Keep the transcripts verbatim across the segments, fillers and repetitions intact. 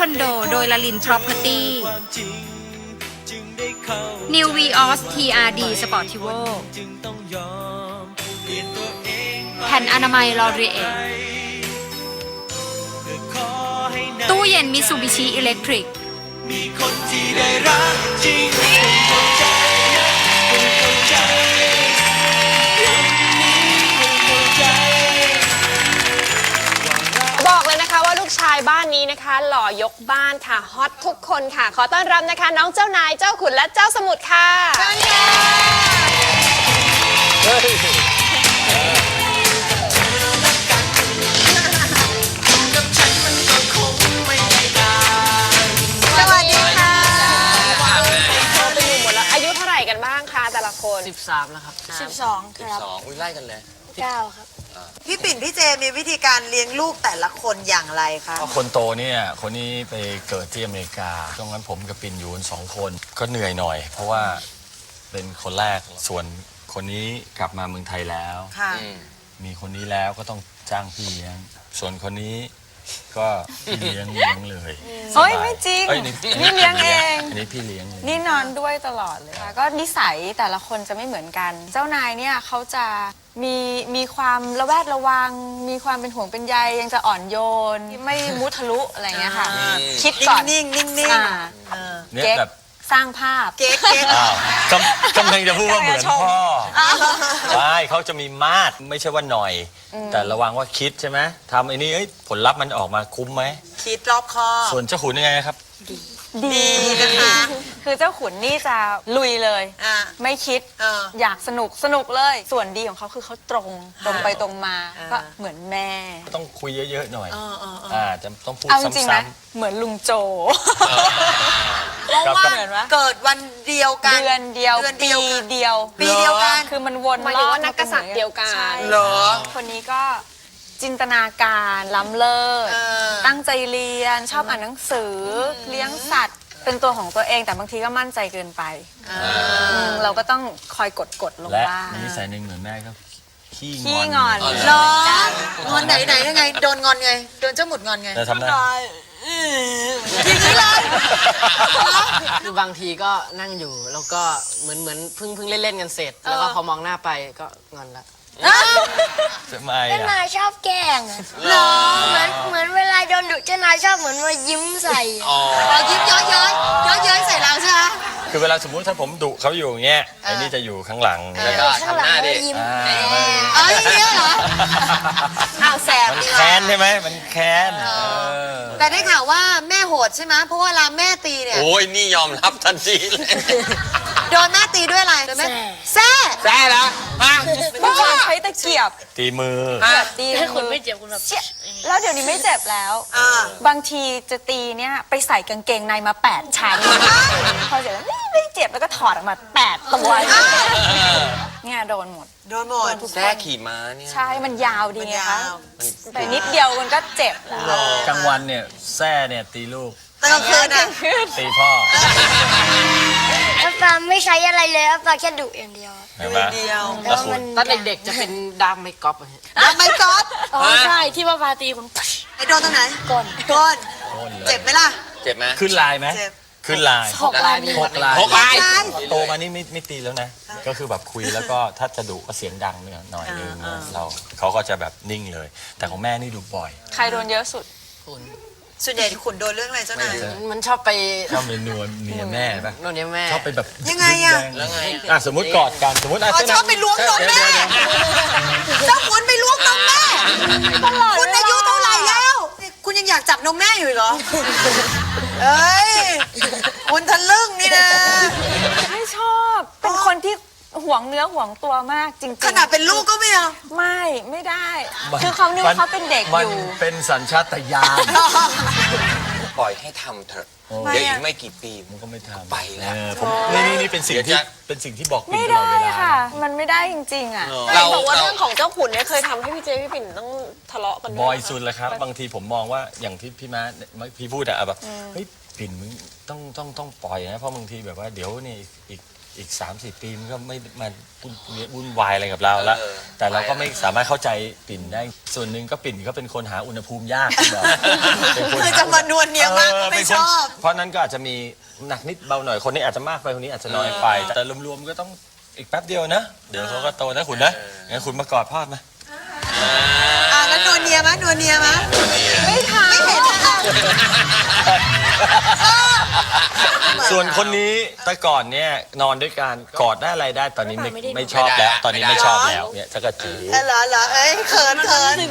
อนโดโดยลลิน Property New Vios ที อาร์ ดี Sportivo แผ่นอนามัย L'Oreal ตู้เย็น Mitsubishi Electric มีคนที่ได้รักจริงเข้าใจเข้าใจเข้าใจบอกเลยนะคะว่าลูกชายบ้านนี้นะคะหล่อยกบ้านค่ะฮอตทุกคนค่ะ ขอต้อนรับนะคะน้องเจ้านายเจ้าขุนและเจ้าสมุทรค่ะเชิญค่ะสวัสดีค่ะโทรไปอยู่หมดแล้วอายุเท่าไหร่กันบ้างคะแต่ละคนสิบสามแล้วครับสิบสองครับสองอุ้ยไล่กันเลยเก้าครับพี่ปิ่นพี่เจมีวิธีการเลี้ยงลูกแต่ละคนอย่างไรคะคนโตเนี่ยคนนี้ไปเกิดที่อเมริกาตรงนั้นผมกับปิ่นอยู่กันสองคนก็เหนื่อยหน่อย เพราะว่าเป็นคนแรกส่วนคนนี้กลับมาเมืองไทยแล้วค่ะมีคนนี้แล้วก็ต้องจ้างพี่เลี้ยง ส่วนคนนี้ก็พี่เลี้ยงเลี้ยงเลยเฮ้ยไม่จริงอ้ยนี่เลี้ยงเองอันนี้พี่เลี้ยงเลยนี่นอนด้วยตลอดเลยค่ะก็นิสัยแต่ละคนจะไม่เหมือนกัน เจ้านายเนี่ยเขาจะมีมีความระแวดระวัง มีความเป็นห่วงเป็นใยยังจะอ่อนโยน ไม่มุทะลุอะไรเงี้ยค่ะ คิดก่อนนิ่งๆนิ่งๆอ่าเออเนี่ยเก๊กแบบสร้างภาพเก๊กเก๊กอ้าวกำกำลังจะพูดว่าเหมือนพ่อใช่เขาจะมีมาดไม่ใช่ว่าหน่อย แต่ระวังว่าคิดใช่ไหมทำไอ้นี่เอ้ยผลลัพธ์มันออกมาคุ้มไหมคิดรอบคอบส่วนเจ้าขุนยังไงครับดีนะคะคือเจ้าขุนนี่จะลุยเลยอ่าไม่คิดเอออยากสนุกสนุกเลย ส่วนดีของเขาคือเขาตรงตรงไปตรงมาอ่าก็เหมือนแม่ต้องคุยเยอะๆหน่อยเออเออเอออ่าจะต้องพูดเอาจริงๆซ้นะเหมือนลุงโจเพราะว่าเหมือนวะเกิดวันเดียวกันเดือนเดียวเดือนปีเดียวกันเดียวปีเดียวกันคือมันวนหมายถึงว่านักกษัตริย์เดียวกันใช่เหรอคนนี้ก็จินตนาการล้ำเลิศเออตั้งใจเรียนชอบอ่านหนังสือเลี้ยงสัตว์ เป็นตัวของตัวเองแต่บางทีก็มั่นใจเกินไปมเราก็ต้องคอยกดกดๆลงและบ้างมีนิสัยหนึ่งเหมือนแม่ก็ขี้ขี้งงออน นเหรองอนไหนไหนยังไง โดนงอนไง โดนเจ้าหมุดงอนไงแต่ทำได้อย่างนี้เลยคือบางทีก็นั่งอยู่แล้วก็เหมือนเหมือนเพิ่งเพิ่งเล่นเล่นๆกันเสร็จ แล้วก็พอมองหน้าไปก็งอนละทำไมเจ้าอ่ะนายชอบแกล้งอะเหมือนเหมือนเวลาโดนดุเจ้านายชอบเหมือนมายิ้มใส่อะอ๋อเรายิ้มย้อยย้อยย้อยย้อยใส่เราใช่ไหมคือเวลาสมมุติถ้าผมดุเขาอยู่อย่างเงี้ยไอ้นี่จะอยู่ข้างหลังแล้วก็ข้างหลังก็ยิ้มอ่าเอ้ยอย่างเงี้ยเหรออ้าวแสบมันดีว่ะแค้นใช่ไหมมันแค้นเออแต่ได้ข่าวว่าแม่โหดใช่ไหมเพราะว่าเวลาแม่ตีเนี่ยโอ้ยนี่ยอมรับทันทีเลยโดนแม่ตีด้วยอะไรโดนแม่แซ่แซ่แล้วฮะเมื่อก่อนใช้ตะเกียบตีมือตีถ้าคุณไม่เจ็บคุณแบบเชี่ยแล้วเดี๋ยวนี้ไม่เจ็บแล้วอ่าบางทีจะตีเนี่ยไปใส่กางเกงในมาแปดชั้น พอเสร็จแล้วนี่ไม่เจ็บแล้วก็ถอดออกมาแปดตัวเนี่ยโดนหมดโดนหมดแซ่ขี่ม้าเนี่ยใช่มันยาวดีมันไงยาคะวแต่นิดเดียวมันก็เจ็บแล้วกลางวันเนี่ยแซ่เนี่ยตีลูกแต่กลางคืนอ่ะตีพ่ออัปปาไม่ใช้อะไรเลยอัปปาแค่ดุอย่างเดียวเห็นไหมเดียวแต่ว่ามันตอนเด็กๆจะเป็นดามไม่ก๊อปอะฮะแล้วไม่ก๊อฟอ๋อใช่ที่ว่าปาตีคุณไอ้โดนตรงไหนก่อนก้นโค่นเลยเจ็บไหมล่ะเจ็บไหมขึ้นลายไหมเจ็บขึ้นลายหกลายหกลายหกลายโตมานี่ไม่ไม่ตีแล้วนะ ก็คือแบบคุยแล้วก็ถ้าจะดุก็เสียงดังเนี่ยหน่อยนึงเราเขาก็จะแบบนิ่งเลย แต่ของแม่นี่ดุบ่อยใครโดนเยอะสุดคุณส่วนใหญ่ขุนโดนเรื่องอะไรเจ้านายมันชอบไปชอบเป็นนวลเมียแม่ปะโน่นเนี่ยแม่ชอบไปแบบยังไงอะแล้วไงอ่ะสมมติกอดกันสมมติอ่ะอ๋อชอบไปล้วงนมแม่เดี๋ยวๆเจ้าขุนไปล้วงนมแม่คุณอายุเท่าไหร่แล้ว คุณยังอยากจับนมแม่อยู่อีกเหรอ เอ้ย คุณทะลึ่งนี่นะไม่ชอบ เป็นคนที่หวงเนื้อหวงตัวมากจริงๆขนาดเป็นลูกก็ไม่เอาไม่ไม่ได้มันคือเขานึกว่าเขาเป็นเด็กมัอยู่เป็นสัญชาตญาณปล่อยให้ทำเถอะโอ้เดี๋ยวอีกไม่กี่ปีมันก็ไม่ทำไปแล้วเออผมนี่นี่นี่เป็นสิ่งที่เดี๋ยวจะเป็นสิ่งที่บอกปิ่ไม่นตลอได้ดเวลาค่ะ มันไม่ได้จริงๆอ่ะเราบอกว่าเราเรื่องของเจ้าขุนเนี่ยเคยทำให้พี่เจพี่ปิ่นต้องทะเลาะกันด้วบ่อยนะคะสุดเลยครับ บางทีผมมองว่าอย่างที่พี่ม้าพี่พูดอะแบบเฮ้ยปิ่นมึงต้องต้องต้องปล่อยนะเพราะบางทีแบบว่าเดี๋ยวนี่อีกอีก สามสี่ ปีมันก็ไม่มาวุ่นวุ่นวายอะไรกับเราแล้วเออแต่เราก็ไม่สามารถเข้าใจปิ่นได้ส่วนหนึ่งก็ปิ่นก็เป็นคนหาอุณหภูมิยากที่แบบเป็นนคือหจะมานวลเนียมากออไม่เป็นชคนอบเพราะนั้นก็อาจจะมีหนักนิดเบาหน่อยคนนี้อาจจะมากไปคนนี้อาจจะน้อยไป แต่รวมๆก็ต้องอีกแป๊บเดียวนะ เดี๋ยวเขาก็โตนะคุณนะงั้นคุณมากอดพ่อมาอ่าแล้วนวลเนียมะนวลเนียมะไม่ทำไม่เห็นนะคะส่วนคนนี้แต่ก่อนเนี่ยนอนด้วยกันกอดได้อะไรได้ตอนนี้ไม่ไม่ชอบแล้ว ตอนนี้ไม่ชอบแล้วเนี่ยจะกระจีเออเหรอเหรอเอ้ยเขินเขินเอ้ย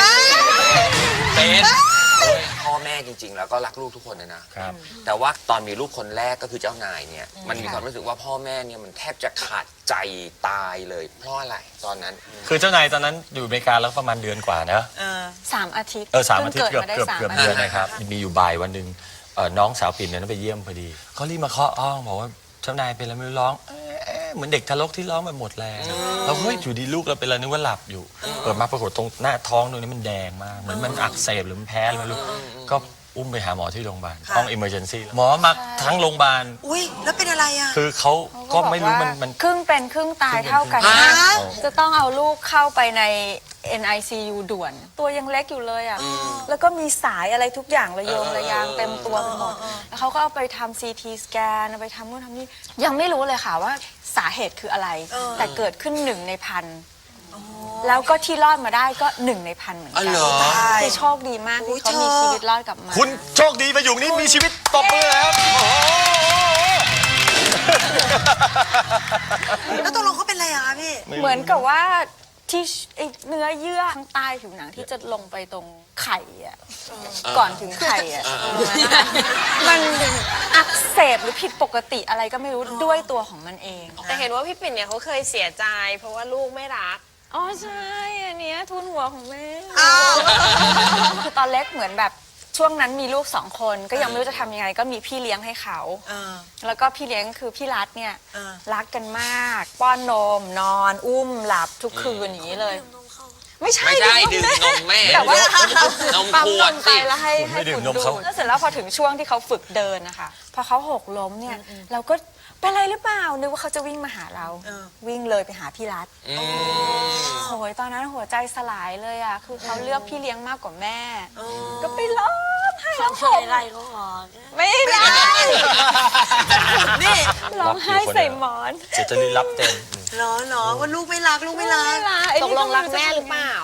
เป็นพ่อแม่จริง ๆ แล้วก็รักลูกทุกคนเลยนะครับแต่ว่าตอนมีลูกคนแรกก็คือเจ้านายเนี่ยมันมีความรู้สึกว่าพ่อแม่เนี่ยมันแทบจะขาดใจตายเลยเพราะอะไรตอนนั้นคือเจ้านายตอนนั้นอยู่อเมริกาแล้วประมาณเดือนกว่านะเออสามอาทิตย์เออสามอาทิตย์พิ่เกือบงดมาได้เกือบสามเกือบอาเดืทิอนตย์นะครับมีอยู่บ่ายวันหนึ่งเอ่อน้องสาวปิ่นเนี่ยไปเยี่ยมพอดีเขารีบมาเคาะห้องบอกว่าเจ้านายเป็นอะไรไม่รู้ร้องเอ๊ะเอ๊ะเหมือนเด็กทารกที่ร้องไปหมดแรงเราเฮ้ยอยู่ดีลูกเราเป็นอะไรนึกว่าหลับอยู่เปิดมาปรากฏตรงหน้าท้องตรงนี้มันแดงมากเหมือนมันอักเสบหรือมันแพ้อะไรไม่รู้ก็อุ้มไปหาหมอที่โรงพยาบาลห้อง emergency หมอมาทั้งโรงพยาบาลอุ้ยแล้วเป็นอะไรอ่ะคือเขาก็ไม่รู้มันมันครึ่งเป็นครึ่งตายเท่ากันฮะจะต้องเอาลูกเข้าไปใน เอ็น ไอ ซี ยู ด่วน ตัวยังเล็กอยู่เลยอ่ะ แล้วก็มีสายอะไรทุกอย่างระโยงระยางเต็มตัวไปหมด แล้วเขาก็เอาไปทำ ซี ที สแกนเอาไปทำนู่นทำนี่ ยังไม่รู้เลยค่ะว่าสาเหตุคืออะไร แต่เกิดขึ้นหนึ่งในพัน แล้วก็ที่รอดมาได้ก็หนึ่งในพันเหมือนกัอ๋อเหรอคือโชคดีมากอุ๊ที่ยเขามีเธอชีวิตรอดกลับมาคุณโชคดีมาอยู่นี่มีชีวิตตบมือแล้วโอ้โหแล้วตกลงเขาเป็นอะไรอะคะพี่เหมือนกับว่าที่ไอ้เนื้อเยื่อข้างใต้ผิวหนังที่จะลงไปตรงไข่อะก่อนถึงไข่อะมันอักเสบหรือผิดปกติอะไรก็ไม่รู้ด้วยตัวของมันเองแต่เห็นว่าพี่ปิ่นเนี่ยเขาเคยเสียใจ เพราะว่าลูกไม่รักอ๋อใช่อันเนี้ยทุนหัวของแม่อ้าวคือตอนเล็กเหมือนแบบช่วงนั้นมีลูกสองคนก็ยังไม่รู้จะทำยังไง ก็มีพี่เลี้ยงให้เขาเออแล้วก็พี่เลี้ยงคือพี่รัฐเนี่ยเออรักกันมาก ป้อนนม นอน อุ้มหลับทุกคืนอย่างนี้เลย ไม่ใช่ไม่ใช่ดื่มนมแม่แต่ว่านมปั๊มขนวดมสิไปแล้วให้คุณไม่ให้ดื่มคุณนมดูเขาแล้วเสร็จแล้วพอถึงช่วงที่เขาฝึกเดินนะคะพอเขาหกล้มเนี่ยเราก็เป็นไรหรือเปล่านึกว่าเขาจะวิ่งมาหาเราเออวิ่งเลยไปหาพี่รัฐอืมโอยตอนนั้นหัวใจสลายเลยอ่ะคือเขาเลือกพี่เลี้ยงมากกว่าแม่ ก็ไปร้องไห้ร้องห่มอะไรเขาออกไม่ได้นี่ร้องไห้ใส่หมอนเสียจะรีรับเต็มเหรอเหรอว่าลูกไม่รักลูกไม่รักตกลงรักแม่หรือเปล่า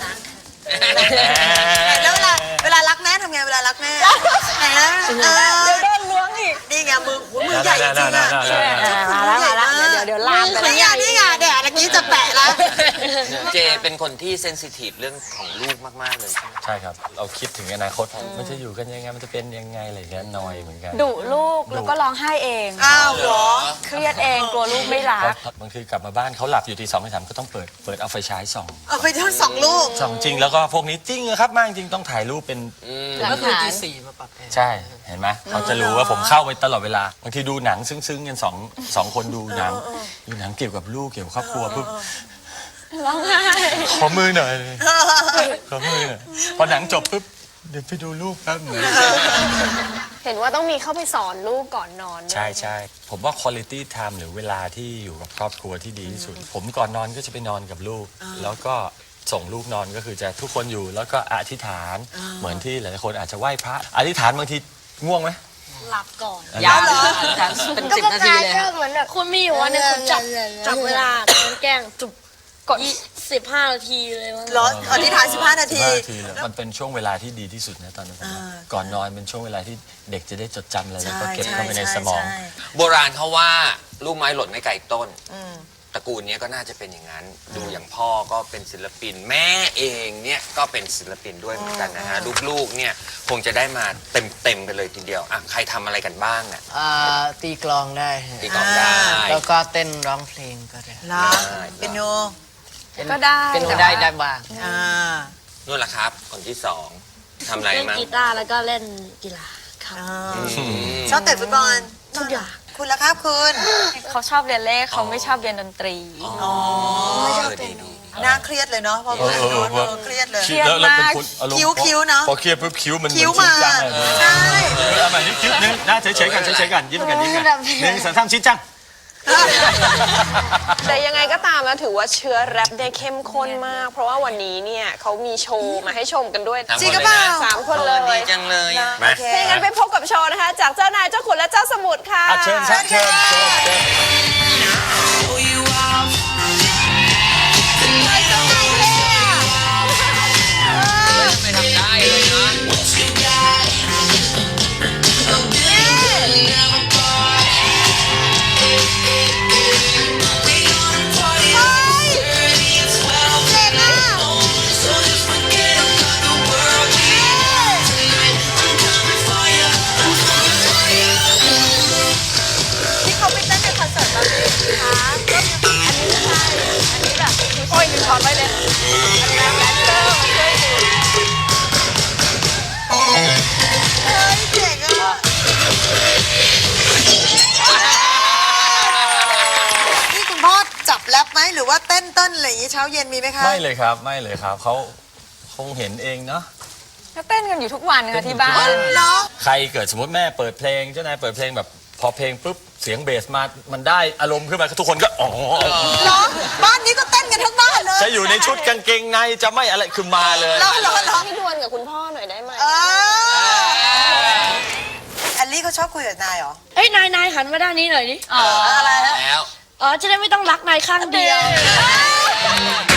แล้วเวลาเวลารักแม่ทำไงเวลารักแม่ไหนนะเออเดี๋ยวโดนล้วงอีกนี่ไงมือหัวมือใหญ่จริงอะมาแล้วมาแล้วเดี๋ยวเดี๋ยวลามไปนี่ไงนี่ไงแดดเมื่อกี้จะแปะแล้วเจเป็นคนที่เซนซิทีฟเรื่องของลูกมาก ๆ เลยใช่ไหมใช่ครับ เราคิดถึงอนาคตมันจะอยู่กันยังไงมันจะเป็นยังไงอะไรอย่างเงี้ยนอยเหมือนกันดุลูกแล้วก็ร้องไห้เองอ้าวเหรอเครียดเองกลัวลูกไม่รักเพราะบางทีกลับมาบ้านเขาหลับอยู่ทีสองทีสามก็ต้องเปิดเปิดเอาไฟฉายส่องเอาไปทั้งสองลูกส่องจริงแล้วก็พวกนี้จริงนะครับมากจริงต้องถ่ายรูปเป็นก็คือตีสี่มาปรับแอร์ใช่เห็นไหมเขาจะรู้ว่าผมเข้าไปตลอดเวลาบางทีดูหนังซึ้งๆกันสองสองคนดูหนังดูหนังเกี่ยวกับลูกเกี่ยวกับครอบครัวปุ๊บร้องไห้ขอมือหน่อยขอมือหน่อยพอหนังจบปุ๊บเดี๋ยวไปดูลูกแป๊บหนึงเห็นว่าต้องมีเข้าไปสอนลูกก่อนนอนด้วยใช่ใช่ผมว่า quality time หรือเวลาที่อยู่กับครอบครัวที่ดีที่สุด ผมก่อนนอนก็จะไปนอนกับลูก แล้วก็ส่งลูกนอนก็คือจะทุกคนอยู่แล้วก็อธิษฐานเหมือนที่หลายๆคนอาจจะไหว้พระอธิษฐานบางทีง่วงไหมหลับก่อนยาวเป็นสิบนาทีเลยก็ครับเหมือนแบบคุณมีอยู่วันหนึงคุณจับจับเวลาตอนแกล้งจุบกดสิบห้านาทีเลยมั้งเหรออธิษฐานสิบห้านาทีสิบห้านาทีเลยมันเป็นช่วงเวลาที่ดีที่สุดนะตอนนั้นผมว่าก่อนนอนเป็นช่วงเวลาที่เด็กจะได้จดจำอะไรแล้วก็เก็บเข้าไปในสมองโบราณเขาว่าลูกไม้หล่นไม่ไกลต้นตระกูลเนี้ยก็น่าจะเป็นอย่างนั้น ดูอย่างพ่อก็เป็นศิลปิน แม่เองเนี่ยก็เป็นศิลปินด้วยเหมือนกันนะฮะลูกๆเนี่ยคงจะได้มาเต็มๆกันเลยทีเดียวอ่ะใครทำอะไรกันบ้างอ่ะอ่าตีกลองได้ฮะตีกลองได้แล้วก็เต้นร้องเพลงก็ได้เหรอเป็นโนเป็นก็ได้เป็นก็ได้ได้บ้างอ่านู่นแหละครับ คนที่สองทำอะไรเล่นมั้งกีตาร์แล้วก็เล่นกีฬาครับอ่าชอบเตะฟุตบอลทุกอย่างคุณละครับคุณเขาชอบเรียนเลขเขาไม่ชอบเรียนดนตรีอ๋อเออดีดีน่าเครียดเลยเนาะพอพูดถึงโน้นเออเครียดเลยเครียดแล้วแล้วเป็นมากคนอารมณ์คิ้วคิ้วเนอะพอเครียดปุ๊บคิ้วมันคิ้วเหอนมาจริงจังเลยใช่เออเอาใหม่นี่คิ้วนึงหน้าเฉยๆกันเฉยๆกันยิ้มกันยิ้มกันหนึ่งสองสามชี้จังแต่ยังไงก็ตามนะถือว่าเชื้อแรปเนี่ยเข้มข้นมาก เพราะว่าวันนี้เนี่ยเขามีโชว์มาให้ชมกันด้วยสามคนจริงหรือเปล่าเลยนะสามคนเลยดีจังเลยอะโอเคถ้าอย่างนั้นไปพบกับโชว์นะคะ จากเจ้านายเจ้าขุนและเจ้าสมุทรค่ะอ่ะเชิญครับเชิญเชิญเชิญไม่ทำได้เลยนะที่เขาไปเต้นในคอนเสิร์ตบางทีคะก็อันนี้ใช่ อันนี้แบบโอ้ยลืมถอดไว้เลยอันนี้แดนเซอร์มาช่วยดูเฮ้ยเจ๋งอ่ะนี่คุณพ่อจับแรปไหมหรือว่าเต้นเต้นอะไรอย่างงี้เช้าเย็นมีไหมคะไม่เลยครับไม่เลยครับเขาคงเห็นเองเนาะก็เต้นกันอยู่ทุกวันค่ะที่บ้านเหรอใครเกิดสมมติแม่เปิดเพลงเจ้านายเปิดเพลงแบบพอเพลงปุ๊บเสียงเบสมามันได้อารมณ์ขึ้นมาทุกคนก็อ๋อเหรอบ้านนี้ก็เต้นกันทั้งบ้านเลยจะอยู่ในชุดกางเกงในจะไม่อะไรคือมาเลยเหรอเหรอเหรอพี่ดวลกับคุณพ่อหน่อยได้ไหมเออแอลลี่เขาชอบคุยกับนายเหรอเฮ้ย นายนายหันมาด้านนี้หน่อยดิอะไรฮะแล้วอ๋อ จะได้ไม่ต้องรักนายข้างเดียวเ